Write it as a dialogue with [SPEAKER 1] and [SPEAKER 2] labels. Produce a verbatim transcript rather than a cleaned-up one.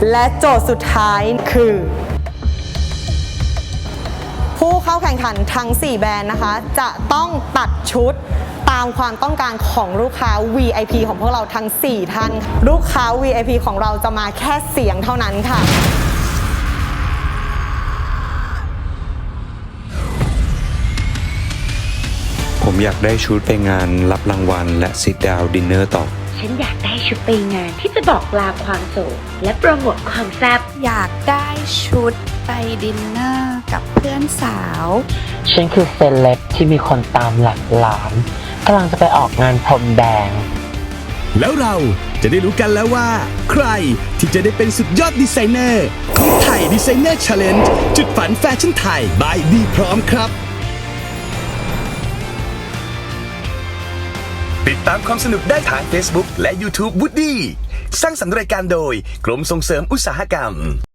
[SPEAKER 1] และโจทย์สุดท้ายคือผู้เข้าแข่งขันทั้งสี่แบรนด์นะคะจะต้องตัดชุดตามความต้องการของลูกค้า วี ไอ พี ของพวกเราทั้งสี่ท่านลูกค้า วี ไอ พี ของเราจะมาแค่เสียงเท่านั้นค่ะ
[SPEAKER 2] ผมอยากได้ชุดไปงานรับรางวัลและ sit down dinner ต่อ
[SPEAKER 3] ฉันอยากได้ชุดไปงานที่จะบอกลาความโสดและโปรโมทความแซ่บ
[SPEAKER 4] อยากได้ชุดไปดินเนอร์กับเพื่อนสาว
[SPEAKER 5] ฉันคือเซเลบที่มีคนตามหลักล้านกำลังจะไปออกงานพรมแดง
[SPEAKER 6] แล้วเราจะได้รู้กันแล้วว่าใครที่จะได้เป็นสุดยอดดีไซเนอร์ของไทยดีไซเนอร์ Challenge จุดฝันแฟชั่นไทย by ดีพร้อมครับติดตามความสนุกได้ทาง Facebook และ YouTube Woody สร้างสรรค์รายการโดยกรมส่งเสริมอุตสาหกรรม